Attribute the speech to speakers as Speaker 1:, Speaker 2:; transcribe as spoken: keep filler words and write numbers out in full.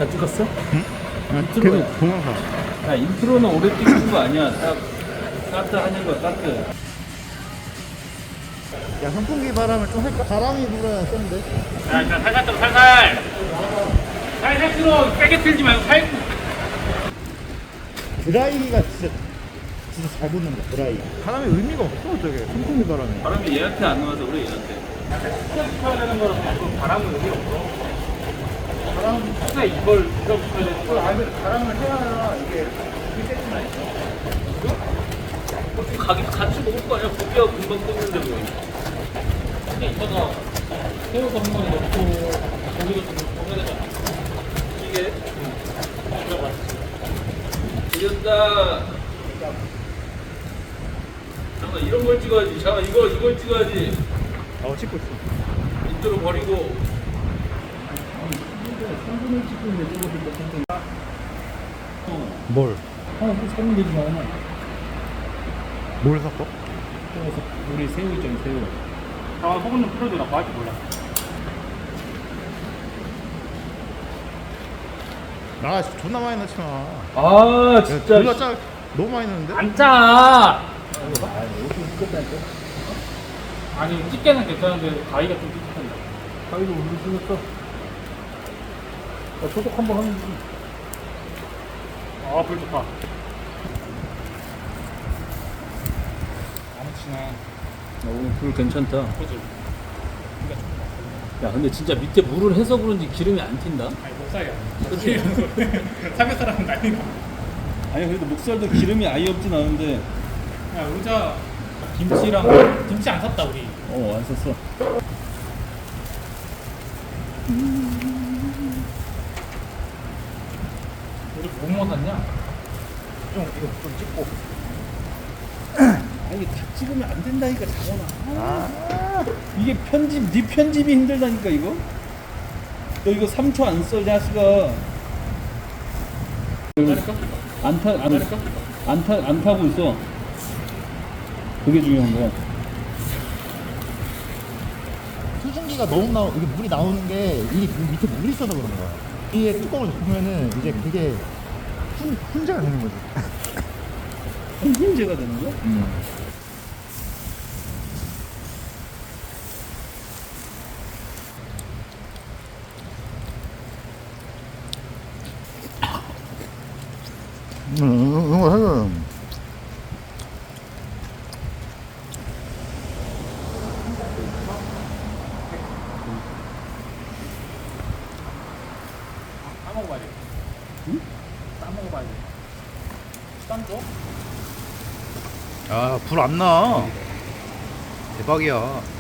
Speaker 1: 다 찍었어?
Speaker 2: 응? 아,
Speaker 1: 인트로야.
Speaker 2: 계속 동영상.
Speaker 1: 야, 인트로는 오래 찍는 거 아니야. 딱 따뜻 하는 거야, 따뜻.
Speaker 2: 야, 선풍기 바람을 좀 할까? 바람이 불어야 센데.
Speaker 1: 자, 일단 살살 들어, 살살. 살살 들어. 세게 틀지 말고 살.
Speaker 2: 드라이기가 진짜 진짜 잘 붙는다. 드라이. 바람이 의미가 없어 저게. 선풍기 바람이.
Speaker 1: 바람이 얘한테 안 나와서 그래, 얘한테. 진짜 붙어야 되는 거라서 자꾸 바람은 의미 없어. 바람, 진짜 이걸, 이걸 붙어야 되는 거야.
Speaker 2: 바람을 해야 이게 세지나 있어.
Speaker 1: 가기 같이 먹을 거 아니야? 고기하고 금방 끓는데 뭐. 그냥 이따가 새우도 한 마리 넣고 고기도 좀 먹어야 되잖아. 이게 들어갔어. 이겼다. 잠깐 이런 걸 찍어야지. 잠깐 이거 이걸 찍어야지.
Speaker 2: 어 찍고 있어.
Speaker 1: 인트로 버리고.
Speaker 2: 뭘?
Speaker 1: 하나 또 사면 되지 마.
Speaker 2: 뭘 샀어?
Speaker 1: 그래서 우리 새우 있잖아, 새우. 아, 소금 좀 풀어줘. 나 뭐할지 몰라.
Speaker 2: 나 존나 많이 넣지 마.
Speaker 1: 아, 진짜.
Speaker 2: 졸라 짜. 너무 많이 넣는데?
Speaker 1: 안 짜! 아니, 집게는 괜찮은데, 가위가 좀 찝찝한다. 가위도 우리 쓰겠어. 야, 소독 한번 하면 되지. 아, 불 좋다. 아무치나. 야, 오늘 불 괜찮다. 그죠? 야, 근데 진짜 밑에 물을 해서 그런지 기름이 안 튄다?
Speaker 3: 아니 목살이 아니야.
Speaker 1: 그치?
Speaker 3: 삼겹살하면 난리나.
Speaker 1: 아니, 그래도 목살도 기름이 아예 없진 않은데.
Speaker 3: 야 의자 김치랑 김치 안 샀다 우리.
Speaker 1: 어, 안 썼어.
Speaker 3: 우리 뭐뭐 샀냐?
Speaker 2: 좀 이거 좀 찍고.
Speaker 1: 아니, 다 찍으면 안 된다니까, 장원아.
Speaker 2: 아.
Speaker 1: 이게 편집, 네 편집이 힘들다니까, 이거? 너 이거 삼 초 안 써, 자식아. 안 타, 안, 안 타, 안 타고 있어. 그게 중요한 거야.
Speaker 2: 수증기가 너무 나오 이게 물이 나오는 게 이 밑에 물이 있어서 그런 거야. 이게 뚜껑을 보면은 이제 그게 훈 훈제가 되는 거지.
Speaker 1: 문제가 되는 거야?
Speaker 2: 음. 음, 이거 해요.
Speaker 3: 싸먹어봐야 돼. 응? 싸먹어봐야 돼. 쌈 줘?
Speaker 2: 아, 불 안 나. 대박이야.